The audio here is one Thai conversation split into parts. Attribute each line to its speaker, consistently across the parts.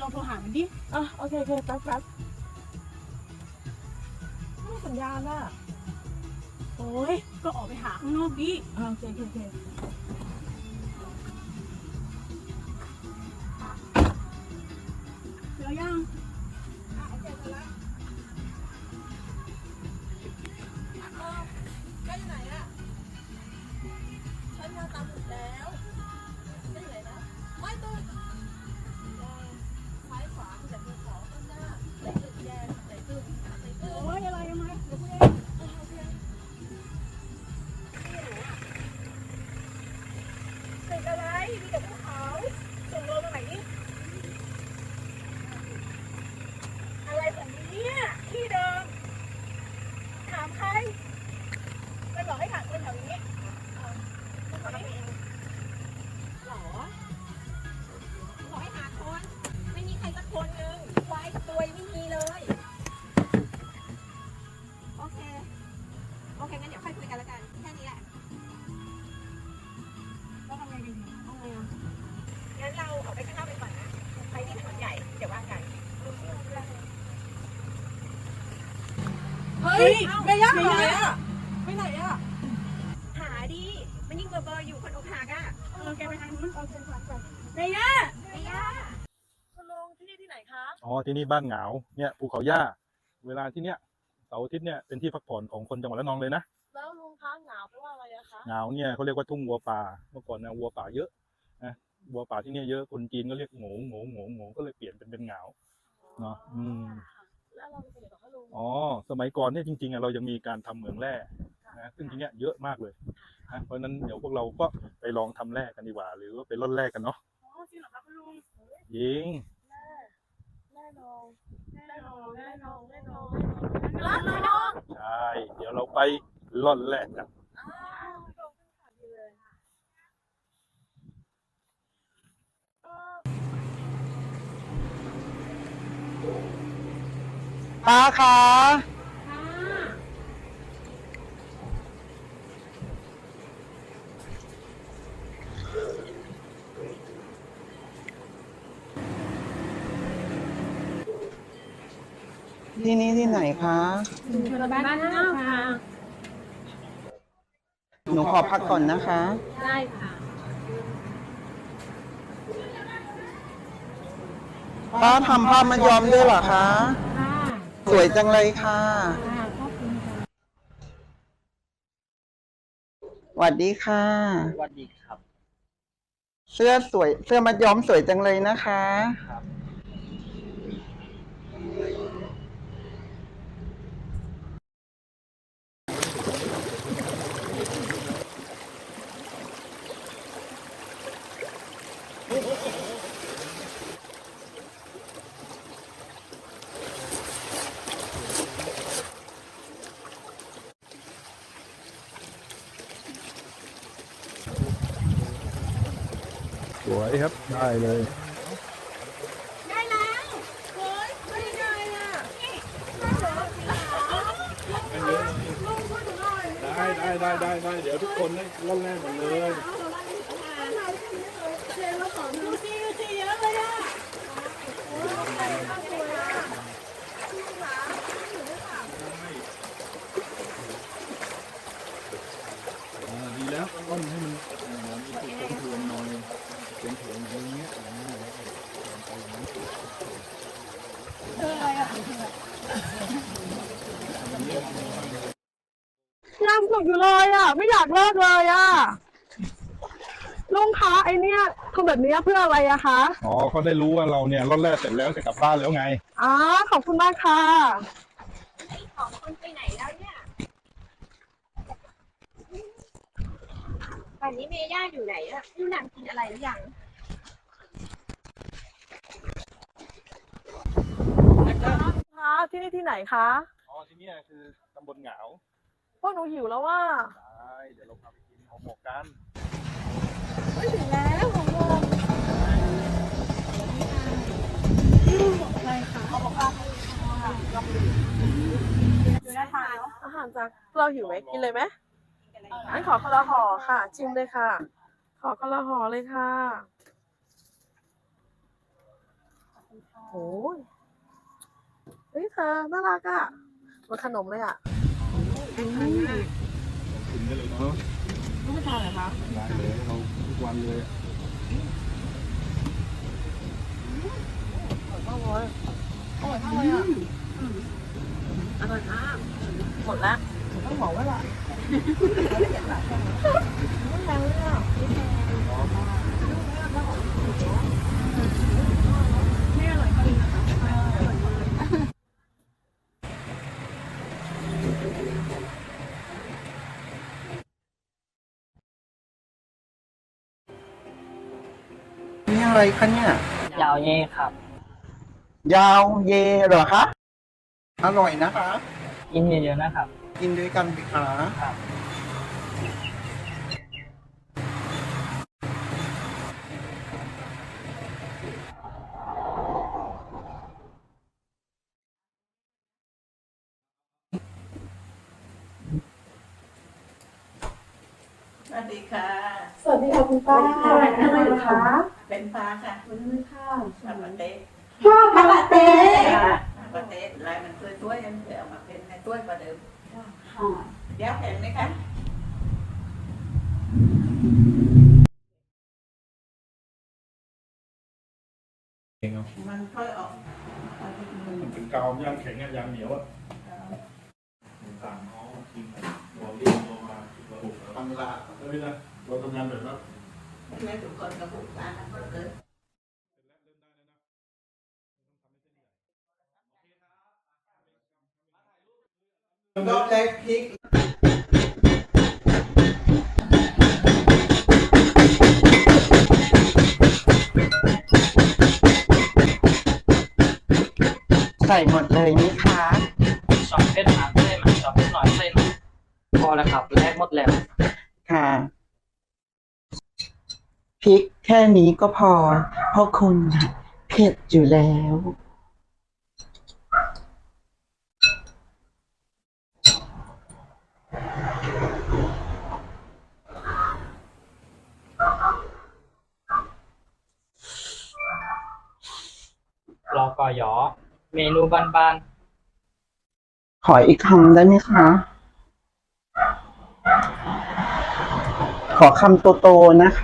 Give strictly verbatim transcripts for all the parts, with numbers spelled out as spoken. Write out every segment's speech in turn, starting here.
Speaker 1: โทรหามันดิ
Speaker 2: อ่ะโอเคโอเคแป๊บแป๊บไม่สัญญาณอ่ะ
Speaker 1: โอ้ยก็ออกไปหาข้างนอกดิ
Speaker 2: อ่ะโอเคโอเคโอเค
Speaker 1: เจอยัง
Speaker 2: อ่ะโอเคเจอแล้วเออใกล้ไหนอ่ะฉันมาตามหมุดแล้วใกล้ไหนนะไม่ตื่นซ้ายขวาแต่ภูเขาข้างหน้าไหนตึกแดงไหนตึกไหนตึก
Speaker 1: โอ้ยอะไรยังไงเดี๋ยวกูเอง
Speaker 2: โอเคตึกอะไรมีแต่ภูเขาส่งโลมาไหนนี่อะไรของนี้เนี่ยที่เดิมถามใครมันบอกให้ถามคนแถวนี้คนแถวนี้หรอบอกให้หาคนไม่มีใครสักคนหนึ่งควายกับตัวยังไม่มีเลยโอเคโอเคงั้นเดี๋ยวค่อยคุยกันแล้วกันแค่นี้แหละ
Speaker 1: แล้วทำไงกันดีทำไงอ่ะ
Speaker 2: งั้นเราออกไปข้างนอกไปก่อนนะไปที่ถนนใหญ่เดี๋ยวว่ากันเฮ้ยเมย่าหายอ่ะไปไหนอ่ะหาดิมันยิ่งเบอร์เบอร์อยู่คนอกหักอ่ะ
Speaker 1: เออแกไปทางนู้น
Speaker 2: เอาเชิญก่อน
Speaker 1: เมย่า
Speaker 2: เมย่าคุณลุงที่นี่ที่ไหนคะ
Speaker 3: อ๋อที่นี่บ้านเหงาเนี่ยภูเขาหญ้าเวลาที่เนี้ยเสาร์อาทิตย์เนี่ยเป็นที่พักผ่อนของคนจังหวัดระนองเลยนะ
Speaker 2: แล้วลุงคะหนาวแปลว่าอะไรอะคะ
Speaker 3: เหงาเนี่ยเขาเรียกว่าทุ่งวัวป่าเมื่อก่อนนะวัวป่าเยอะนะวัวป่าที่เนี่ยเยอะคนจีนก็เรียกโง่โง่โง่โง่ก็เลยเปลี่ยนเป็นเป็นเหงาเนาะอืม
Speaker 2: แล้วเราไปไหนต่อคะลุง
Speaker 3: อ๋อสมัยก่อนเนี่ยจริงๆอ่ะเรายังมีการทำเหมืองแร่นะซึ่งทีเนี้ยเยอะมากเลยนะเพราะฉะนั้นเดี๋ยวพวกเราก็ไปลองทำแร่กันดีกว่า หรือว่าไปร่อนแร่กันเนาะ
Speaker 1: อ๋อจริงเหรอครับคุณลุง
Speaker 3: ยิง
Speaker 2: แน่นอนแน่นอนแน่นอนแน่นอน
Speaker 1: ร้านน้อง
Speaker 3: ใช่เดี๋ยวเราไปร่อนแร่กัน
Speaker 2: อ้าวลงขึ้นขาดีเลย
Speaker 4: ป้าคะที่นี่ที่ไหนคะ
Speaker 1: ชุมชนบ้านเน่าค่ะ
Speaker 4: หนูขอพักก่อนนะคะ
Speaker 1: ได้ค่ะ
Speaker 4: ป้าทำผ้ามัดย้อมด้วยเหรอคะ
Speaker 1: ค่ะ
Speaker 4: สวยจังเลยค่ะ
Speaker 1: ค่ะขอบคุณค่ะ
Speaker 4: สวัสดีค่ะ
Speaker 5: สวัสดีครับ
Speaker 4: เสื้อสวย เสื้อมัดย้อมสวยจังเลยนะคะ
Speaker 5: ครับ
Speaker 3: สวยครับได้เลย
Speaker 2: ได้แล้วเฮ้ยไม่ได้อ่ะนี่ได้เหรอลุงช่วยหนูหน่อย
Speaker 3: ได้ได้ได้ได้ได้เดี๋ยวทุกคนได้ร่อนแร่หมดเลย
Speaker 2: เจนมาสอนดูซิดูซิเยอะเลยอ่ะโอ้ยน่าสวยอ่ะลุงคะอยู่ด้วยค่ะ
Speaker 3: อ่าดีแล้วร่อนให้มันเอ่อมีจุดทวงหน่อยเป็นถ่วงอย่างเงี้ยอ่าแล้วก็ไปอย่างนั้น
Speaker 2: ยังสุกอยู่เลยอ่ะ ไม่อยากเลิกเลยอ่ะลุงคะไอเนี้ยทำแบบนี้เพื่ออะไรอะคะ
Speaker 3: อ๋อเขาได้รู้ว่าเราเนี่ยร่อนแร่เสร็จแล้วจะกลับบ้านแล้วไง
Speaker 2: อ๋อขอบคุณมากค่ะ
Speaker 6: ของคนไปไหนแล้วเนี่ยป่านนี้เมย่าอยู่ไหนอะอยู่นางกินอะไรหรือยัง
Speaker 2: คะที่นี่ที่ไหนคะ
Speaker 3: อ๋อที่เนี่ยคือตำบลเหงา
Speaker 2: พวกหนูหิวแล้วว่า
Speaker 3: ได้เดี๋ยวเราพาไปกินห่อหมกกัน
Speaker 2: ไม่ถึงแล้วของโมง
Speaker 1: อะไรค่ะ
Speaker 2: อยู่ได้ทานอาหารจากเราหิวไหมกินเลยไหมงั้นขอคนละห่อค่ะ ชิมเลยค่ะ ขอคนละห่อเลยค่ะโอ้ยเฮ้ยเธอน่ารักอ่ะเหมันขนมเลยอ่ะ
Speaker 3: กินได้เลยเนาะ
Speaker 2: ไม่ทานเหรอคะ
Speaker 3: ได้เลยเราทุกวันเลย
Speaker 2: อร่อยมากเลยอร่อยมากเลยอ่ะอร่อยมากหมดแล้วต้องบอกว่าละไม่แพงเลยอ่ะไม่อร่อยจริงนะคะอร่อยมาก
Speaker 4: นี่อะไรคะเนี่ย
Speaker 5: ยาวเย่ครับ
Speaker 4: ยาวเยเหรอคะ อร่อยนะคะ
Speaker 5: กินเยอะๆนะครับ
Speaker 4: กินด้วยกันสิคะ
Speaker 5: ครับ
Speaker 2: สวัสดีค่ะ
Speaker 1: สวัสดีค่ะคุณป้าอะไรอยู่คะ
Speaker 2: เป็นฟ้าค่ะ
Speaker 1: วันนี้ค่ะ
Speaker 2: ทำมาเต๊ะ
Speaker 1: พ่อคาราเต้
Speaker 2: มาเต๊ะลายมันตัวตัวยังเดี๋ยวมาเป็นในตัวกว่าเดิม
Speaker 1: ค่ะ
Speaker 2: เดี๋ยวเห็นไหมคะ
Speaker 3: เองเอา
Speaker 2: มันค่อยออก
Speaker 3: มันเป็นกาวยางแข็งอะยางเหนียวอะต่างน้องกินเราเรียนตัวมาระบบ
Speaker 4: ฟังละ
Speaker 3: แล้วนี่นะเราทำงานแบบนั้น
Speaker 2: แม่ทุกคนกระปุกตาเกิด
Speaker 4: รอบแรกพริก ใส่หมดเลยนี่คะ
Speaker 5: สองเส้นหางเส้นมันสองเส้นหน่อยเส้นพอแล้วครับแลกหมดแล้ว
Speaker 4: ค่ะ พริกแค่นี้ก็พอ เพราะคุณน่ะเผ็ดอยู่แล้ว
Speaker 5: รอกอยอ เมนูบ้าน
Speaker 4: ขออีกคำได้ไหมคะ ขอคำโตๆนะคะ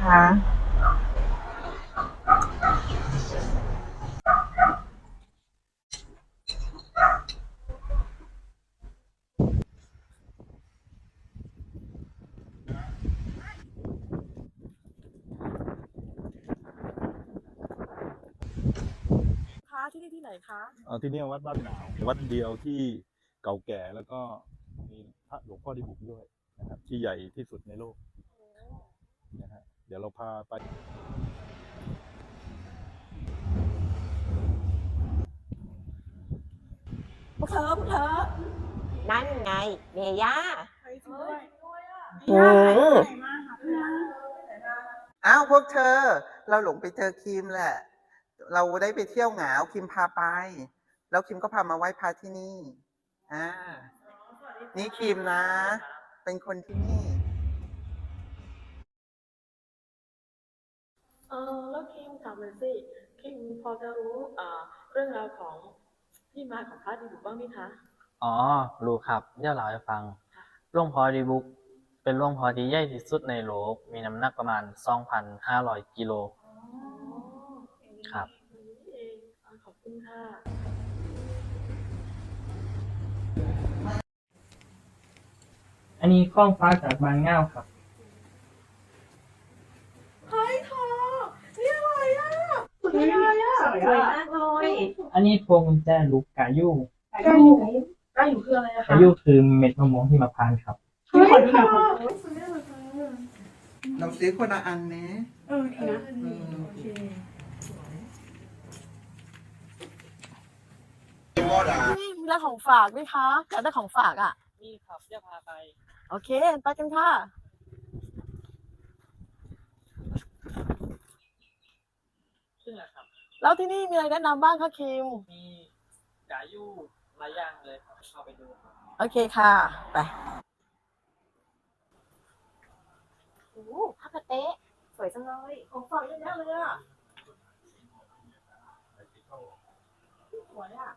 Speaker 2: คะที่นี่ที่ไหนคะ
Speaker 3: เอาที่นี่วัดบ้านหนาววัดเดียวที่เก่าแก่แล้วก็มีพระหลวงพ่อที่บุกด้วยนะครับที่ใหญ่ที่สุดในโลกนะฮะเดี๋ยวเราพาไป
Speaker 2: พวกเธอพวกเธอ
Speaker 6: นั่นไงเมย่า
Speaker 2: ใครช่วยด้วยอ่ะ
Speaker 6: อืม
Speaker 4: อ้าวพวกเธอ เราหลงไปเจอคิมแหละ เราได้ไปเที่ยวเหงาคิมพาไป แล้วคิมก็พามาไหว้พระที่นี่อ่านี่คิมนะ เป็นคนที่นี่
Speaker 7: เออแล้วคิมถามเลยสิคิมพอจะรู้เอ่อเรื่องราวของที่มาของพระดีบุกบ้างไหมคะ
Speaker 5: ๆ อ๋อ รู้ครับ เดี๋ยวเล่าให้ฟังหลวงพ่อดีบุก เป็นหลวงพ่อที่ใหญ่ที่สุดในโลก มีน้ำหนักประมาณ สองพันห้าร้อย กิโล ครับ
Speaker 7: นี่เองอ่าขอบคุณค่ะ
Speaker 5: อันนี้ข้องฟ้าจากบางเง่าครับ
Speaker 2: เฮ้ยเธอนี่อะไรอ่ะสุดยอดอ่ะ
Speaker 6: สวยมากเลย
Speaker 5: อันนี้พวงกุญแจลูกกายู
Speaker 1: ใกล้อยู่ใกล้อยู่คืออะไรอะคะ
Speaker 5: กายูคือเม็ดมะม่วงหิมพานต์ครับ
Speaker 1: เฮ้ยขอดูหน่อยค่ะ
Speaker 4: เราซื้อคนละอันนะ
Speaker 1: เออดีนะโอเค
Speaker 2: นี่มีร้านของฝากด้วยคะอยากได้ของฝากอ่ะ
Speaker 5: นี่ครับเดี๋ยวพาไป
Speaker 2: โอเค ไปกันค่ะ
Speaker 5: ซึ่งแหละครับ
Speaker 2: แล้วที่นี่มีอะไรแนะนำบ้างคะคิม
Speaker 5: มีกายูหลายอย่างเลยครับเข้าไปดูครับ
Speaker 2: โอเคค่ะ ไป
Speaker 6: โอ้ผ้ากระเต๊ะสวยจังเลย
Speaker 2: ของฝากเยอะแยะเลยอ่ะ
Speaker 7: วยอ่ะ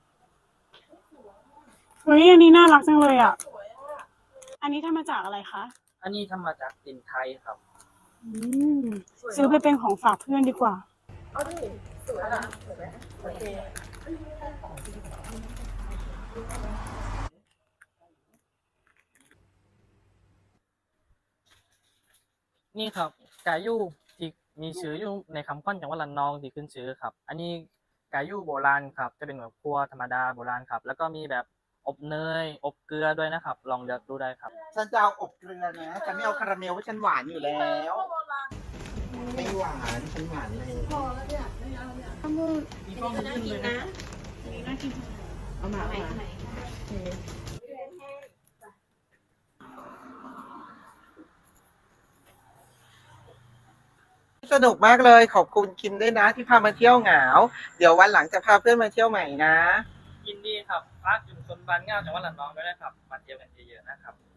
Speaker 1: เฮ้ยอันนี้น่ารักจังเลยอ่ะ อันนี้ทำมาจากอะไรคะ
Speaker 5: อันนี้ทำมาจากสินไทยครับ
Speaker 1: อืมซื้อไปเป็นของฝากเพื่อนดีกว่า
Speaker 7: เอาดิสวยอ่ะสวยไหมโอเค
Speaker 5: นี่ครับกายูที่มีชื่ออยู่ในคำขวัญจังหวัดระนองที่ขึ้นชื่อครับ อันนี้กายูโบราณครับ จะเป็นแบบครัวธรรมดาโบราณครับ แล้วก็มีแบบอบเนย อบเกลือด้วยนะครับ ลองเลือกดูได้ครับ
Speaker 4: ฉันจะเอาอบเกลือนะฉันไม่เอาคาราเมลเพราะฉันหวานอยู่แล้วไม่หวานฉันหวานเลย
Speaker 5: มีกล้องขึ้นเลยนะ
Speaker 7: เอามาเอามา
Speaker 4: สนุกมากเลยขอบคุณคิมด้วยนะที่พามาเที่ยวเหงา เดี๋ยววันหลังจะพาเพื่อนมาเที่ยวใหม่นะ
Speaker 5: ยินดีครับพักอยู่ชนบ้านเง่าจังหวัดระนองด้วยนะครับ มาเที่ยวกันเยอะๆนะครับ